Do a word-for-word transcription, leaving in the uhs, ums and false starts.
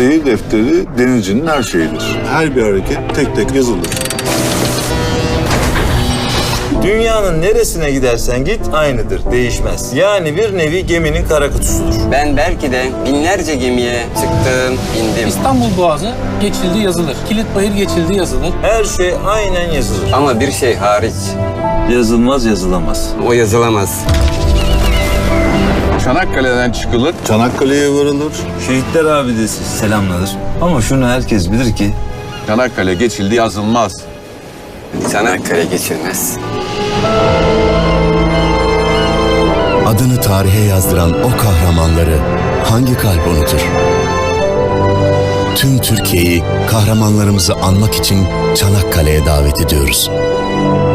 Seyir defteri denizcinin her şeyidir. Her bir hareket tek tek yazılır. Dünyanın neresine gidersen git aynıdır, değişmez. Yani bir nevi geminin kara kutusudur. Ben belki de binlerce gemiye çıktım, bindim. İstanbul Boğazı geçildi yazılır. Kilitbayır geçildi yazılır. Her şey aynen yazılır. Ama bir şey hariç, Yazılmaz, yazılamaz. o yazılamaz. Çanakkale'den çıkılır. Çanakkale'ye varılır. Şehitler abidesi selamlanır. Ama şunu herkes bilir ki Çanakkale geçildi yazılmaz. Çanakkale geçilmez. Adını tarihe yazdıran o kahramanları hangi kalp unutur? Tüm Türkiye'yi kahramanlarımızı anmak için Çanakkale'ye davet ediyoruz.